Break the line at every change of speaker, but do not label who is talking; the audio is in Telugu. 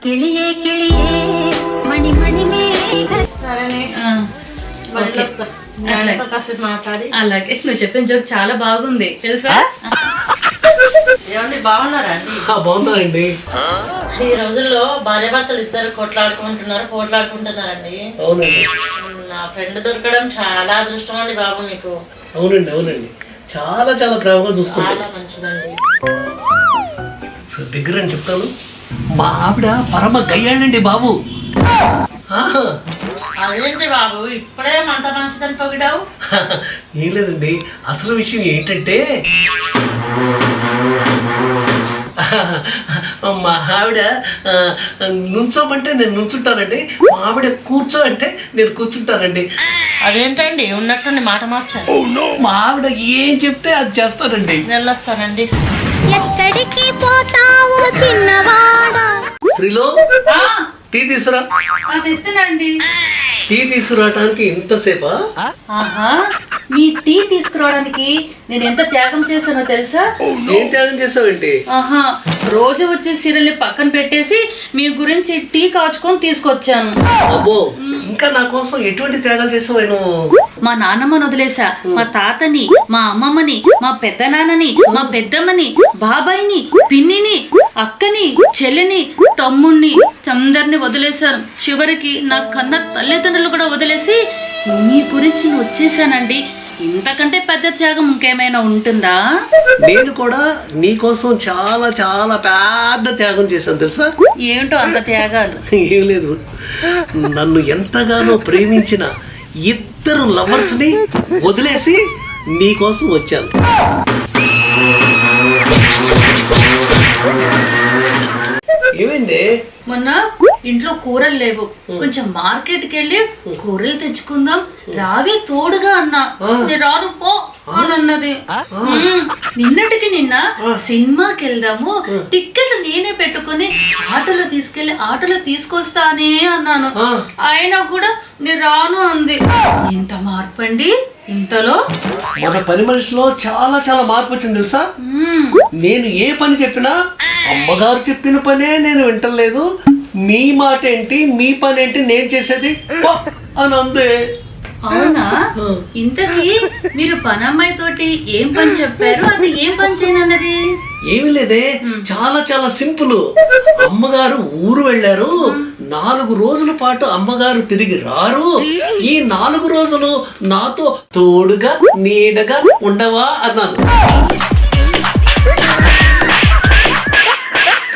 కిళియే కిళియే మణి మణి
సరేనే కాసేపు మాట్లాడి.
అలాగే నువ్వు చెప్పిన జోక్ చాలా బాగుంది తెలుసా.
ఏమండి బాగున్నారా అండి?
బాగున్నారండి.
ఈ రోజుల్లో భార్యాభర్తలు ఇద్దరు పోట్లాడుకుంటున్నారండి.
అవునండి.
నా ఫ్రెండ్ దొరకడం చాలా అదృష్టం అండి బాబు మీకు.
అవునండి అవునండి చాలా చాలా ప్రేమగా చూసుకుంటాను.
చాలా మంచిదండి.
దగ్గర అని చెప్తాను, మా ఆవిడ పరమ గయ్యాడండి బాబు.
అదేంటి బాబు ఇప్పుడే అంత మంచిదని పొగిడావు?
ఏం లేదండి, అసలు విషయం ఏంటంటే మా ఆవిడ నుంచోమంటే నేను నుంచుంటానండి, మా ఆవిడ కూర్చో అంటే నేను కూర్చుంటానండి.
అదేంటండి ఉన్నట్టుండి మాట మార్చాలి.
మా ఆవిడ ఏం చెప్తే అది చేస్తానండి.
వెళ్ళొస్తానండి.
ఎక్కడికి పోతావో చిన్నవాడా.
శ్రీలో టీ తీసురా.
తెస్తున్నాండి.
టీ తీసుకురావటానికి ఇంతసేపా?
ఆహా, మీ టీ తీసుకురావడానికి నేను ఎంత త్యాగం చేశానో తెలుసా.
ఏం త్యాగం చేసావేంటి?
ఆహా, రోజు వచ్చే సీరియల్ని పక్కన పెట్టేసి మీ గురించి టీ కాచుకొని తీసుకొచ్చాను.
అబ్బో, ఇంకా నా కోసం ఎటువంటి త్యాగాలు చేసావు నువ్వు?
మా నాన్నమ్మని వదిలేసా, మా తాతని, మా అమ్మమ్మని, మా పెద్ద నాన్నని, మా పెద్దమ్మని, బాబాయిని, పిన్నిని, అక్కని, చెల్లిని, తమ్ముణ్ణి అందరిని వదిలేశాను. చివరికి నా కన్న తల్లిదండ్రులు కూడా వదిలేసి మీ గురించి వచ్చేసానండి. ఇంతకంటే పెద్ద త్యాగం ఇంకేమైనా ఉంటుందా?
నేను కూడా నీ కోసం చాలా చాలా పెద్ద త్యాగం చేశాను తెలుసా.
ఏమిటో అంత త్యాగాలు?
ఏం లేదు, నన్ను ఎంతగానో ప్రేమించిన ఇద్దరు లవర్స్ ని వదిలేసి నీ కోసం వచ్చాను. ఏమైంది?
మొన్న ఇంట్లో కూరలు లేవు, కొంచెం మార్కెట్కి వెళ్ళి కూరలు తెచ్చుకుందాం రావే తోడుగా అన్నా. రాను పో అని అన్నది. నిన్నటికి నిన్న సినిమాకి వెళ్దాము, టిక్కెట్లు నేనే పెట్టుకుని ఆటోలో తీసుకొస్తానే అన్నాను. అయినా కూడా నేను రాను అంది. ఎంత మార్పు అండి ఇంతలో.
మన పని మనిషిలో చాలా చాలా మార్పు వచ్చింది తెలుసా. నేను ఏ పని చెప్పినా అమ్మగారు చెప్పిన పనే నేను వింటలేదు. మీ మాట ఏంటి, మీ పని ఏంటి, నేను చేసేది అని అందే.
అవునా? ఇంతకీ మీరు పనమ్మాయి తోటి ఏం పని చెప్పారు? అది ఏం పని చేయనన్నది?
ఏమి లేదే, చాలా చాలా సింపుల్. అమ్మగారు ఊరు వెళ్ళారు, 4 రోజుల పాటు అమ్మగారు తిరిగి రారు. ఈ 4 రోజులు నాతో తోడుగా నీడగా ఉండవా అన్నాను.